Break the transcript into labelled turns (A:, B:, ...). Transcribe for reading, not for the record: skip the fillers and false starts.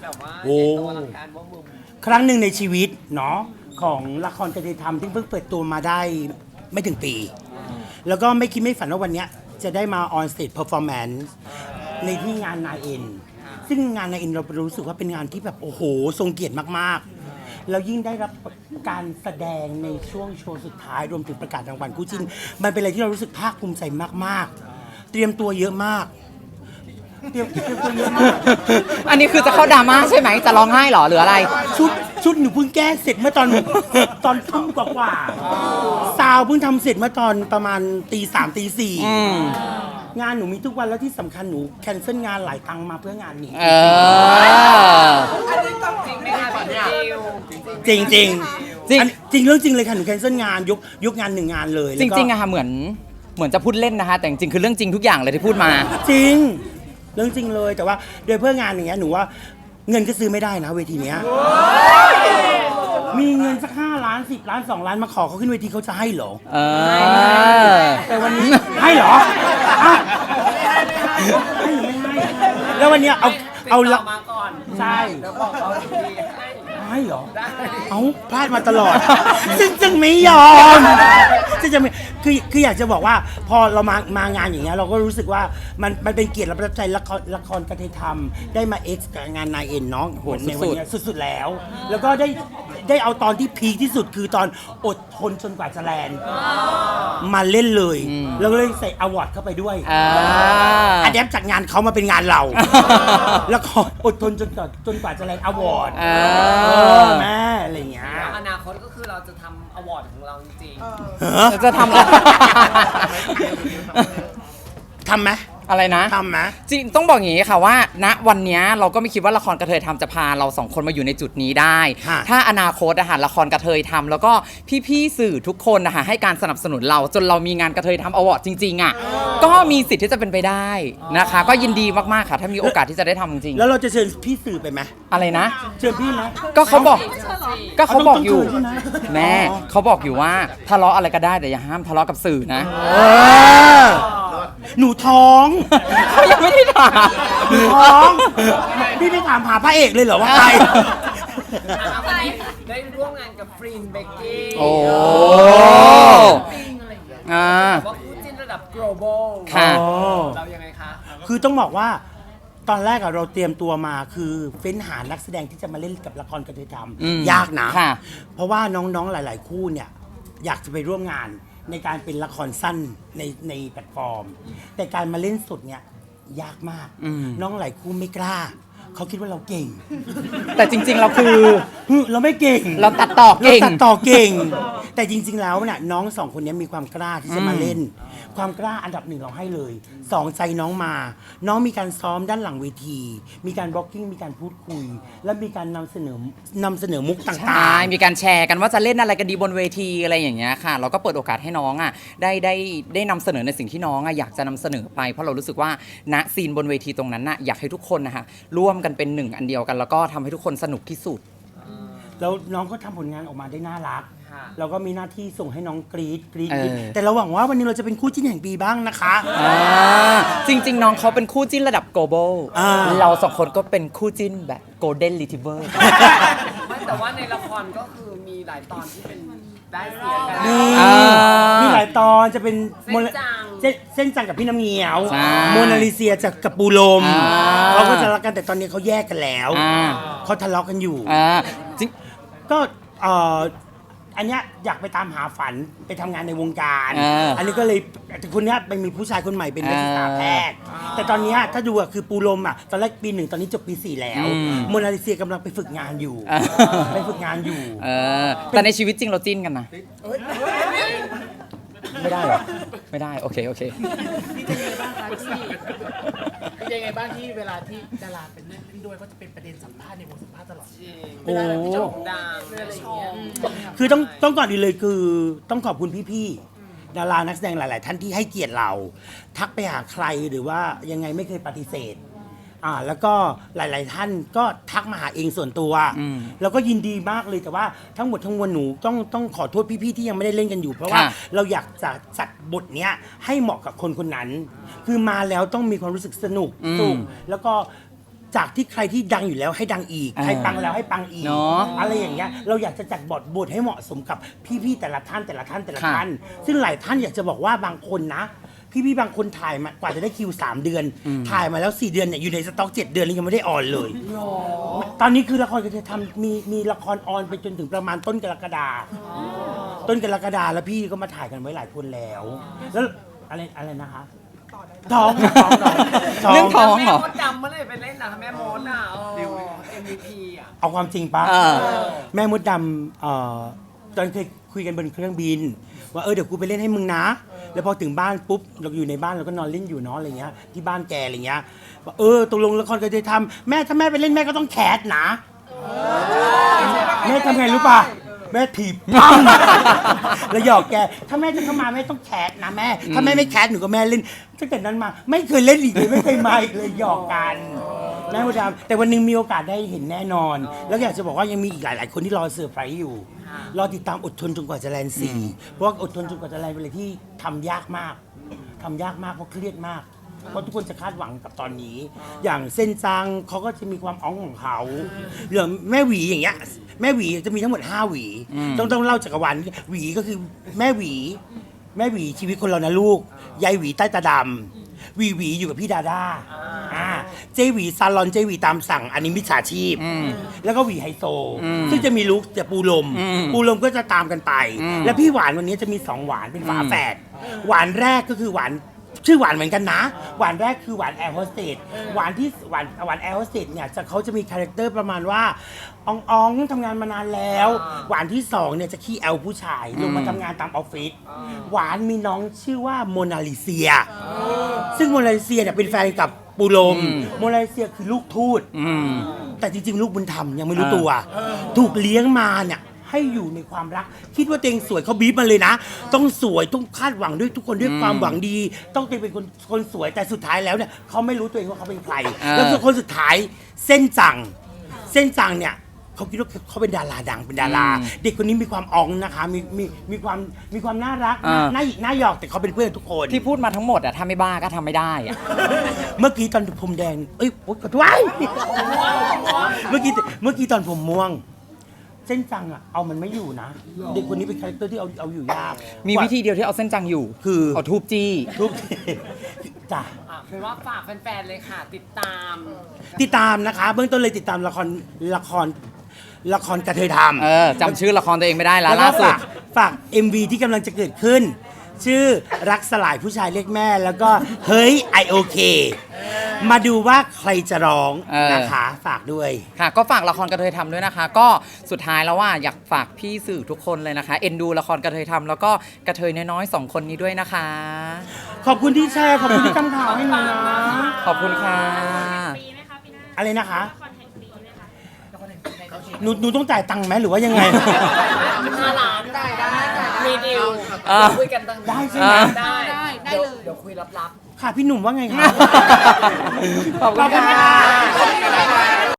A: แบบว่า
B: โอ้
A: ใหญ่โตอลังการว่ามึง
B: ครั้งหนึ่งในชีวิตเนาะของละครกระเทยธรรมที่เพิ่งเปิดตัวมาได้ไม่ถึงปี แล้วก็ไม่คิดไม่ฝันว่าวันเนี้ยจะได้มา on stage performance ในที่งานนายเอ็นซึ่งงานนายเอ็นเรารู้สึกว่าเป็นงานที่แบบโอ้โหทรงเกียรติมากๆแล้วยิ่งได้รับการแสดงในช่วงโชว์สุดท้ายรวมถึงประกาศรางวัลคู่จิ้นมันเป็นอะไรที่เรารู้สึกภาคภูมิใจมากๆ เตรียมตัวเยอะมากเตรียมตัวเยอะมาก
C: อันนี้คือจะเข้าดราม่าใช่ไหมจะร้องไห้เหรอหรืออะไร
B: ชุดหนูเพิ่งแก้เสร็จเมื่อตอน ตอนทุ่มกว่าซาวเพิ่งทำเสร็จเมื่อตอนประมาณตี 3 ตี 4งานหนูมีทุกวันแล้วที่สำคัญหนูแคนเซิลงานหลายครั้งมาเพื่องานนี้
C: เออ
A: อันนี้ต้องจริงไหมคะพี่ดิว
B: จริงจริง
C: จริง
B: จริงเรื่องจริงเลยค่ะหนูแคนเซิลงานยกงานหนึ่งงานเลย
C: จ
B: แล้วก็
C: ริงๆอะค่ะเหมือนจะพูดเล่นนะคะแต่จริงๆคือเรื่องจริงทุกอย่างเลยที่พูดมา
B: จริงเรื่องจริงเลยแต่ว่าโดยเพื่องานอย่างเงี้ยหนูว่าเงินก็ซื้อไม่ได้นะเวทีเนี้ยมีเงินสัก5 ล้าน10 ล้าน2 ล้านมาขอเขาขึ้นเวทีเขาจะให้เหรอ
C: เออ
B: แต่วันนี้ให้เหรออ่ะให้หรือไม่ให้ แล้ววันเนี้ยเอา
A: ติด
B: ละ
A: ต่อมาก่อน
B: ใช่
A: แล้วบอกเขาดีให้
B: ให้เหรอ
A: ได้
B: เอาพลาดมาตลอด จึงไม่ยอมซึ่งจะไม่คืออยากจะบอกว่าพอเรามางานอย่างเงี้ยเราก็รู้สึกว่ามันเป็นเกียรติและประทับใจละครกระเทยธรรมได้มาเอ็กซ์กับงานนายเอ็นน้องโหในวันเนี้ยสุดๆแล้ว แล้วก็ได้เอาตอนที่พีคที่สุดคือตอนอดทนจนกว่าจะแลนด์มาเล่นเลยแล้วก็เลยใส่อวอร์ดเข้าไปด้วย อันแดปจากงานเขามาเป็นงานเรา แล้วก็อดทนจนกว่าจะแลนด์อวอร์ดแม่อะไรอย่างเงี้ย
A: แล้วอนาคตก็คือเราจะทำอวอร์ดของเราจริง
C: จะทำอะไร
B: ทำไหม
C: อะไรนะ
B: ทำไหม
C: จริงต้องบอกอย่างนี้ค่ะว่าณวันเนี้ยเราก็ไม่คิดว่าละครกระเทยทำจะพาเราสองคนมาอยู่ในจุดนี้ได้ ถ้าอนาคตอะค่ะละครกระเทยทำแล้วก็พี่ๆสื่อทุกคนนะคะให้การสนับสนุนเราจนเรามีงานกระเทยทำอวอร์ดจริงๆอะก็มีสิทธิ์ที่จะเป็นไปได้นะคะ ก็ยินดีมากๆค่ะ ถ้ามีโอกาสที่จะได้ทำจริง
B: แล้วเราจะเชิญพี่สื่อไปไหม
C: อะไรนะ
B: เชิญพี่ไหม
C: ก็เขาบอกอยู่
B: ต้องเชิญใช่ไหม
C: แม่เขาบอกอยู่ว่าทะเลาะอะไรก็ได้แต่อย่าห้ามทะเลาะกับสื่อนะ
B: หนูท้อง
C: เขายังไม่ได้ถาม
B: หนูท้อง พี่ไม่ถามหาพระเอกเลยเหรอว่าใคร
A: ๆได้ร่วมงานกับฟรีนเบกกี้
C: โอ้
A: ปิ้งอะไรอย่างเงี้ย
C: อ่า
A: ว่าคู่จิ้นระดับ global
C: ค่ะ
A: เรายังไงคะ
B: คือต้องบอกว่าตอนแรกอะเราเตรียมตัวมาคือเฟ้นหานักแสดงที่จะมาเล่นกับละครกระเทยธรรม
C: อืม
B: ยากนะ
C: ค่ะ
B: เพราะว่าน้องๆหลาย ๆ คู่เนี่ยอยากจะไปร่วมงานในการเป็นละครสั้นในแพลตฟอร์ม แต่การมาเล่นสดเนี่ยยากมาก น้องหลายคู่ไม่กล้า เขาคิดว่าเราเก่ง
C: แต่จริงๆเราคือ
B: เราไม่เก่ง
C: เราตัดต่อเก่ง
B: ราตัดต่อเก่ง แต่จริง ๆ แล้วเนี่ยน้องสองคนนี้มีความกล้าที่จะมาเล่น ความกล้าอันดับหนึ่งเราให้เลยสองใจน้องมา น้องมีการซ้อมด้านหลังเวที มีการบล็อกกิ้งมีการพูดคุย และมีการนำเสนอมุกต่าง
C: ใช่ มีการแชร์กันว่าจะเล่นอะไรกันดีบนเวทีอะไรอย่างเงี้ยค่ะ เราก็เปิดโอกาสให้น้องอ่ะได้นำเสนอในสิ่งที่น้องอ่ะอยากจะนำเสนอไป เพราะเรารู้สึกว่าณซีนบนเวทีตรงนั้นน่ะอยากให้ทุกคนนะคะร่วมกันเป็นหนึ่งอันเดียวกัน แล้วก็ทำให้ทุกคนสนุกที่สุด
B: ๆแล้วน้องก็ทำผลงานออกมาได้น่ารัก
A: ค่ะ
B: เราก็มีหน้าที่ส่งให้น้องกรี๊ด
C: เออ
B: แต่เราหวังว่าวันนี้เราจะเป็นคู่จิ้นแห่งปีบ้างนะคะ
C: จริง ๆ น้องเขาเป็นคู่จิ้นระดับ global
B: อ่า
C: เราสองคนก็เป็นคู่จิ้นแบบ golden retriever
A: ไม่แต่ว่าในละครก็คือมีหลายตอนที่เป็นได้เสียกัน
B: มี
C: อ่ามี
B: มีหลายตอนจะเป็น
A: เส้นจัง
B: เส้นจังกับพี่น้ำเงี้ยว
C: ใช่
B: โมนาลิเซียจากกับปูลม
C: อ่า
B: เขาก็จะรักกันแต่ตอนนี้เขาแยกกันแล้ว
C: อ่า
B: เขาทะเลาะกันอยู่
C: จริง
B: ก็อันเนี้ยอยากไปตามหาฝันไปทำงานในวงการ อันนี้ก็เลยแต่คนเนี้ยไปมีผู้ชายคนใหม่เป็นนักศึกษาแพทย์ แต่ตอนเนี้ยถ้าดูอะคือปูลมอะตอนแรกปี 1ตอนนี้จบปี 4 แล้ว โมนาลิเซียกำลังไปฝึกงานอยู่ ไปฝึกงานอยู่
C: แต่ในชีวิตจริงเราจิ้นกันนะ ไม่ได้เหรอ ไม่ได้ โอเค
D: ยังไงบ้างที่เวลาที่ดาราเป็นเล่นด้วยก็จะเป็นประเด็นสัมภาษณ์ในวงสัมภาษณ์ตลอด
A: จริง
B: โอ้
A: โด่งดัง
D: อะไรอ
A: ช
D: ย่างเงี้ย
A: ม
B: คือต้องก่อนดีเลยคือต้องขอบคุณพี่ๆดารานักแสดงหลาย ๆ ท่านที่ให้เกียรติเรา ทักไปหาใครหรือว่ายังไงไม่เคยปฏิเสธแล้วก็หลาย ๆ ท่านก็ทักมาหาเองส่วนตัวแล้วก็ยินดีมากเลยแต่ว่าทั้งหมดทั้งมวลหนูต้องขอโทษพี่ๆที่ยังไม่ได้เล่นกันอยู่ เพราะว่า
C: ค่ะ
B: เราอยากจะจัดบทเนี้ยให้เหมาะกับคนคนนั้น คือมาแล้วต้องมีความรู้สึกสนุกสุขแล้วก็จากที่ใครที่ดังอยู่แล้วให้ดังอีก ใครปังแล้วให้ปังอีก
C: เนาะ
B: อะไรอย่างเงี้ยเราอยากจะจัดบทให้เหมาะสมกับพี่ๆแต่ละท่านซึ่งหลายท่านอยากจะบอกว่าบางคนนะพี่ๆบางคนถ่ายมากว่าจะได้คิว3 เดือน ถ่ายมาแล้ว4 เดือนเนี่ยอยู่ในสต็อก7 เดือนแล้วยังไม่ได้ออนเลย ตอนนี้คือละครก็จะทำมีละครออนไปจนถึงประมาณต้นกรกฎาแล้วพี่ก็มาถ่ายกันไว้หลายคนแล้วอะไรนะคะท้อง
C: เรื่องท้องเหรอ
A: แม่มดดำเมื่อไหร่ไปเล่นนะแม่มดอ่ะMVP อ่ะ
B: เอาความจริงปะ
C: เออ
B: แม่มดดำตอนเคยคุยกันบนเครื่องบิน ว่าเดี๋ยวกูไปเล่นให้มึงนะ แล้วพอถึงบ้านปุ๊บเราอยู่ในบ้านเราก็นอนเล่นอยู่เนาะอะไรเงี้ยที่บ้านแกอะไรเงี้ยว่าตกลงละครก็จะทำแม่ถ้าแม่ไปเล่นแม่ก็ต้องแคสนะแม่ทำไงรู้ป่ะแม่ถีบปั้งแล้วหยอกแกถ้าแม่จะเข้ามาแม่ต้องแคสนะแม่ถ้าแม่ไม่แคสหนูก็แม่เล่นตั้งแต่นั้นมาไม่เคยเล่นอีกเลยไม่เคยมาอีกเลยหยอกกันแม่มดดำแต่วันหนึงมีโอกาสได้เห็นแน่นอน แล้วอยากจะบอกว่ายังมีอีกหลายๆคนที่รอเซอร์ไพรส์อยู่ รอติดตามอดทนจนกว่าจะแลนด์4เพราะว่าอดทนจนกว่าจะแลนด์เป็นอะไรที่ทำยากมากเพราะเครียดมาก เพราะทุกคนจะคาดหวังกับตอนนี้ อย่างเส้นจังเขาก็จะมีความอ้องของเขาเรื่องแม่หวีอย่างเงี้ยแม่หวีจะมีทั้งหมด5 หวีต้องเล่าจักรวาลหวีก็คือแม่หวีชีวิตคนเรานะลูกยายหวีใต้ตาดำหวีอยู่กับพี่ดาด้าเจหวีซาลอนเจหวีตามสั่งอันนี้มิจฉาชีพแล้วก็หวีไฮโซซึ่งจะมีลุคจะปูลมก็จะตามกันไป แล้วพี่หวานวันนี้จะมี2 หวานเป็นฝาแฝดหวานแรกก็คือหวานชื่อหวานเหมือนกันนะหวานแรกคือหวานแอร์โฮสเตสหวานแอร์โฮสเตสเนี่ยเขาจะมีคาแรคเตอร์ประมาณว่าอ่องทำงานมานานแล้วหวานที่2เนี่ยจะขี้แอลผู้ชายลงมาทำงานตามออฟฟิศหวานมีน้องชื่อว่าโมนาลิเซียซึ่งโมนาลิเซียเนี่ยเป็นแฟนกับปูลมโมนาลิเซียคือลูกทูตแต่จริงๆลูกบุญธรรมยังไม่รู้ตัวถูกเลี้ยงมาเนี่ยให้อยู่ในความรักคิดว่าตัวเองสวยเขาบีบมาเลยนะ ต้องสวยต้องคาดหวังด้วยทุกคนด้วยความหวังดี ต้องเป็นคนสวยแต่สุดท้ายแล้วเนี่ยเขาไม่รู้ตัวเองว่าเขาเป็นใครแล้วคนสุดท้ายเส้นจังเนี่ยเขาคิดว่าเขาเป็นดาราดังเป็นดารา เด็กคนนี้มีความอ่องนะคะมีความน่ารักน่าหยิกน่าหยอกแต่เขาเป็นเพื่อนทุกคน
C: ที่พูดมาทั้งหมดอะถ้าไม่บ้าก็ทำไม่ได้อะ
B: เมื่อกี้ตอนผมแดงโอ๊ยขอโทษเมื่อกี้ตอนผมม่วงเส้นจังอะเอามันไม่อยู่นะเด็กคนนี้เป็นคาแรคเตอร์ที่เอาอยู่ยาก
C: มีวิธีเดียวที่เอาเส้นจังอยู่
B: คือ
C: เอาทูบจี้
B: ทุกจ้ะ
A: เป็นว่าฝากแฟนๆเลยค่ะ ติดตาม
B: นะคะ เบื้องต้นเลยติดตามละครกระเทยทำ
C: จำชื่อละครตัวเองไม่ได้แล้ว
B: แล้วก็
C: ล่าสุด
B: ฝาก MV ที่กำลังจะเกิดขึ้น ชื่อรักสลายผู้ชายเรียกแม่ แล้วก็เฮ้ยไอโอเคมาดูว่าใครจะร้องนะคะฝากด้วย
C: ค่ะก็ฝากละครกระเทยทำด้วยนะคะ ก็สุดท้ายแล้วว่าอยากฝากพี่สื่อทุกคนเลยนะคะเอ็นดูละครกระเทยทำแล้วก็กระเทยน้อยๆ2 คนนี้ด้วยนะคะ
B: ขอบคุณที่แชร์ขอบคุณที่ทำข่าวให้หนูนะ
C: ขอบคุณค่ะ
E: ปีไหมคะปีหน้า
B: อะไรนะคะ
E: ละครแห่งปีไหมคะ
B: หนูต้องจ่ายตังค์ไหมหรือว่ายังไง
A: 5 ล้านได้มีดีล
C: อ่า
A: คุยกันตั้ง
B: ได้ใช่ไหม
A: ได้เดี๋ยวคุยลับ
B: ค่ะพี่หนุ่มว่าไงคะ
C: ขอบคุณค่ะ